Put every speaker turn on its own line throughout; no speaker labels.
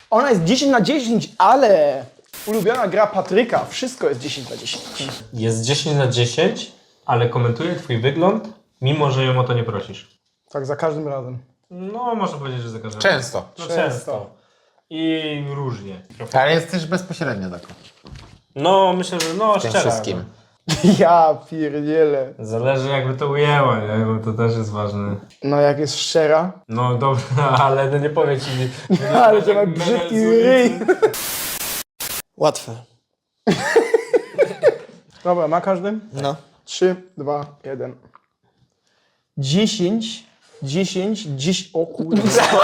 Ona jest 10 na 10, ale ulubiona gra Patryka, wszystko jest 10 na 10.
Jest 10 na 10, ale komentuje twój wygląd, mimo że ją o to nie prosisz.
Tak, za każdym razem.
No, można powiedzieć, że za każdym
Często.
No, często. I różnie.
Ale jest też bezpośrednio taką.
No, myślę, że no,
Tym
szczera.
wszystkim.
Ja pierdzielę.
Zależy jakby to ujęła, nie? Bo to też jest ważne.
No jak jest szczera.
No dobra, ale no nie powiem ci.
Ale to ma brzydki ryj.
Łatwe.
Dobra, ma każdy?
No.
3, 2, 1. 10, 10, 10, o kurde.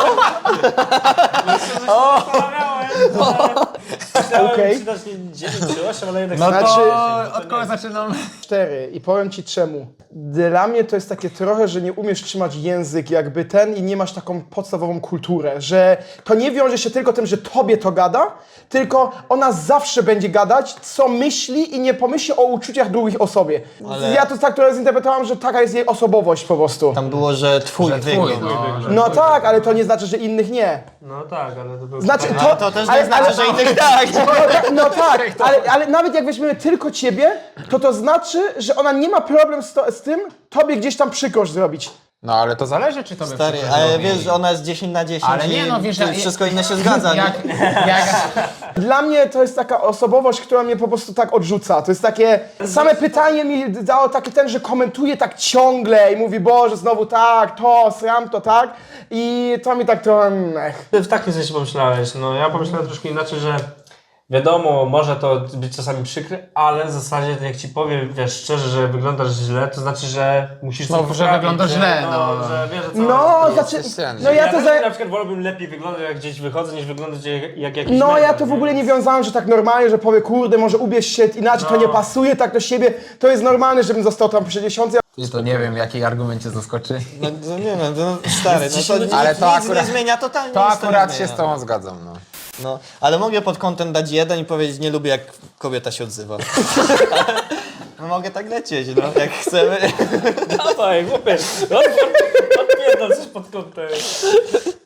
Okej.
Czytać nie 9 czy 8, ale jednak
No to
Znaczy-
od kogo zaczynam?
4 i powiem ci czemu. Dla mnie to jest takie trochę, że nie umiesz trzymać język jakby ten i nie masz taką podstawową kulturę, że to nie wiąże się tylko tym, że tobie to gada, tylko ona zawsze będzie gadać, co myśli i nie pomyśli o uczuciach drugich osobie.
Ale-
Ja to tak trochę zinterpretowałem, że taka jest jej osobowość po prostu.
Tam było, że twój wygląd.
No tak, ale to nie znaczy, że innych nie.
No tak, ale to był...
Znaczy,
No to też nie znaczy, że innych tak.
No tak, ale nawet jak weźmiemy tylko ciebie, to znaczy, że ona nie ma problem z tym, tobie gdzieś tam przykrość zrobić.
No ale to zależy, czy to
Stary, ale wiesz, że ona jest 10 na 10
Ale nie,
i
no wiesz,
wszystko inne się zgadza, nie?
jak
Dla mnie to jest taka osobowość, która mnie po prostu tak odrzuca. To jest takie, same pytanie mi dało taki ten, że komentuje tak ciągle i mówi, Boże, znowu tak, to, sram to, tak. I to mi tak trochę,
Ty w takim sensie pomyślałeś, no ja pomyślałem troszkę inaczej, że wiadomo, może to być czasami przykre, ale w zasadzie jak ci powiem, wiesz, szczerze, że wyglądasz źle, to znaczy, że musisz
No,
coś
że
poprawić,
wyglądasz
nie?
źle,
no.
no.
Że wiesz, co
no,
jest
znaczy,
ściany.
no ja to
też
za...
na przykład wolałbym lepiej wyglądać, jak gdzieś wychodzę, niż wyglądać jak jakiś
No
mega,
ja to w ogóle nie wiązałem, że tak normalnie, że powie, kurde, może ubierz się inaczej, to nie pasuje tak do siebie. To jest normalne, żebym został tam przy 10.
to nie wiem, jaki argument cię zaskoczy.
No, no nie wiem, no, stary, no to
Ale
nic,
to
nic
akurat-
nie zmienia, totalnie
To
nic nie
akurat się
zmienia.
z tobą zgadzam, no.
No, ale mogę pod kątem dać 1 i powiedzieć, nie lubię jak kobieta się odzywa. No mogę tak lecieć, no, jak chcemy.
Dawaj, chłopie, odpierdol coś pod kątem.